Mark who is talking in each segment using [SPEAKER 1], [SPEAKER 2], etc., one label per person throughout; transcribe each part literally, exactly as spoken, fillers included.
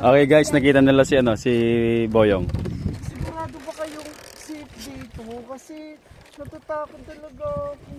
[SPEAKER 1] Okay guys, nakita nila si ano, si Boyong.
[SPEAKER 2] Sigurado ba kayong safe dito? Kasi natatakot talaga ako.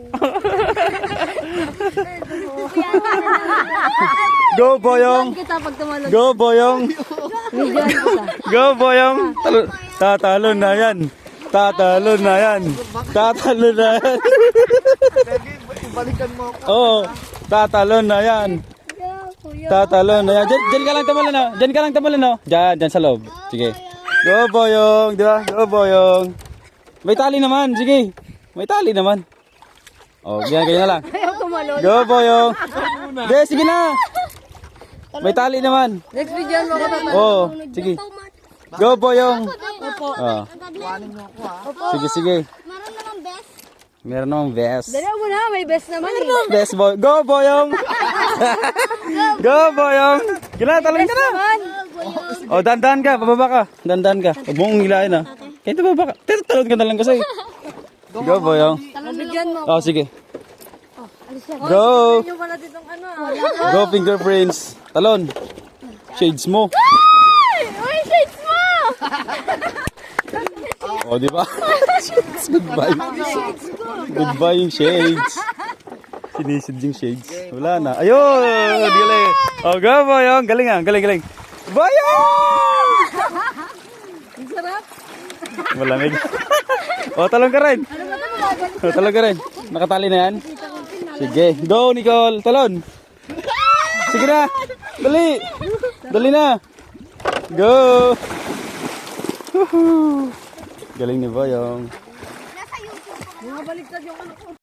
[SPEAKER 1] Go Boyong!
[SPEAKER 3] Kita pag tumalon.
[SPEAKER 1] Go Boyong!
[SPEAKER 3] Bigyan kita.
[SPEAKER 1] Go Boyong! Talo- Tatalo na yan! Tatalo na yan! Tatalo na yan!
[SPEAKER 2] Pwede, ibalikan mo ako.
[SPEAKER 1] Oo, tatalo na yan! Tatalo na yan! Diyan, diyan ka lang tamalan na! Diyan ka lang tamalan na! Diyan, diyan sa loob. Sige. Go Boyong! Di ba? Go Boyong! May tali naman! Sige! May tali naman! Oh, ganyan, ganyan na lang.
[SPEAKER 3] Ayaw tumalon.
[SPEAKER 1] Go Boyong! Sige, sige na! May tali naman!
[SPEAKER 3] Next bigyan mo ako naman.
[SPEAKER 1] Oo, sige. Go Boyong!
[SPEAKER 3] Opo.
[SPEAKER 1] Oh.
[SPEAKER 2] Iwanin mo ako ha.
[SPEAKER 1] Sige, sige.
[SPEAKER 4] Meron namang best.
[SPEAKER 1] Meron namang vest.
[SPEAKER 3] Dala mo na, may best naman eh.
[SPEAKER 1] Best boy. Go, Boyong! Go, Boyong! Ginatalon ka na!
[SPEAKER 3] Naman.
[SPEAKER 1] O, dandan ka. Pababa ka. Dandan ka. Huwag mong hilahin ha. Kaya ito baba ka. Tito, talon ka na lang kasi. Go, Boyong.
[SPEAKER 3] Bigyan mo.
[SPEAKER 1] O, sige.
[SPEAKER 3] Go.
[SPEAKER 1] Go!
[SPEAKER 3] Yung pala ditong ano ah.
[SPEAKER 1] Go, fingerprints. Talon. Shades mo.
[SPEAKER 4] Uy, shades mo!
[SPEAKER 1] O, di ba? Shades. Goodbye. Goodbye yung shades. Sinisid yung shades. Wala na. Ayun! Galing. O, go, Boyong. Galing ah. Galing, galing. Boyong!
[SPEAKER 3] Ang sarap.
[SPEAKER 1] Malamig. O, talong ka rin. O, talong ka rin. Nakatali na yan? Sige. Go, Nicole. Talon. Sige na. Dali. Dali na. Go. Woohoo. Galing ni Boyong.
[SPEAKER 3] Mga baliktad yung ano ko.